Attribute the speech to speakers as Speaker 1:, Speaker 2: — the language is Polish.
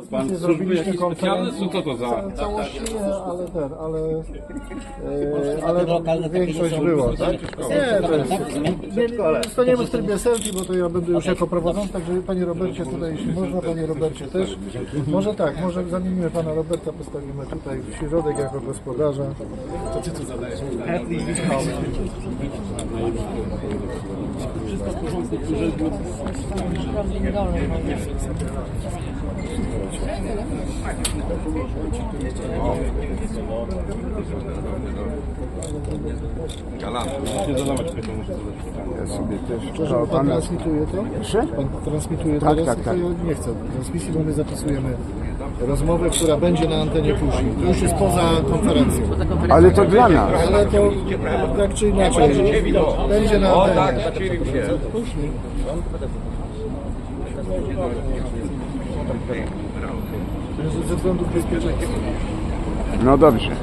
Speaker 1: transmisję zrobiliśmy konferencji.
Speaker 2: Co to za?
Speaker 1: Całości nie, ale większość było, tak? Nie, to staniemy w trybie selfie, bo to ja będę już jako prowadzący, także Panie Robercie tutaj, jeśli można, Panie Robercie też. Może tak, może zamienimy Pana Roberta, postawimy tutaj w środek jako gospodarza. To Ty tu zadajesz.
Speaker 2: Wszystko w porządku, urzędu. Galant, nie zadawać pytań, muszę zadać pytanie.
Speaker 3: Ja sobie też.
Speaker 1: Przepraszam, Pan transmituje to?
Speaker 3: Proszę?
Speaker 1: Pan transmituje
Speaker 3: Tak,
Speaker 1: teraz?
Speaker 3: tak, tak.
Speaker 1: To ja nie chcę transmisji, bo my zapisujemy rozmowę, która będzie na antenie później. To już jest poza konferencją.
Speaker 3: Ale to dla nas.
Speaker 1: Ale to tak czy inaczej będzie na antenie. Ze względów bezpieczeństwa.
Speaker 3: No dobrze.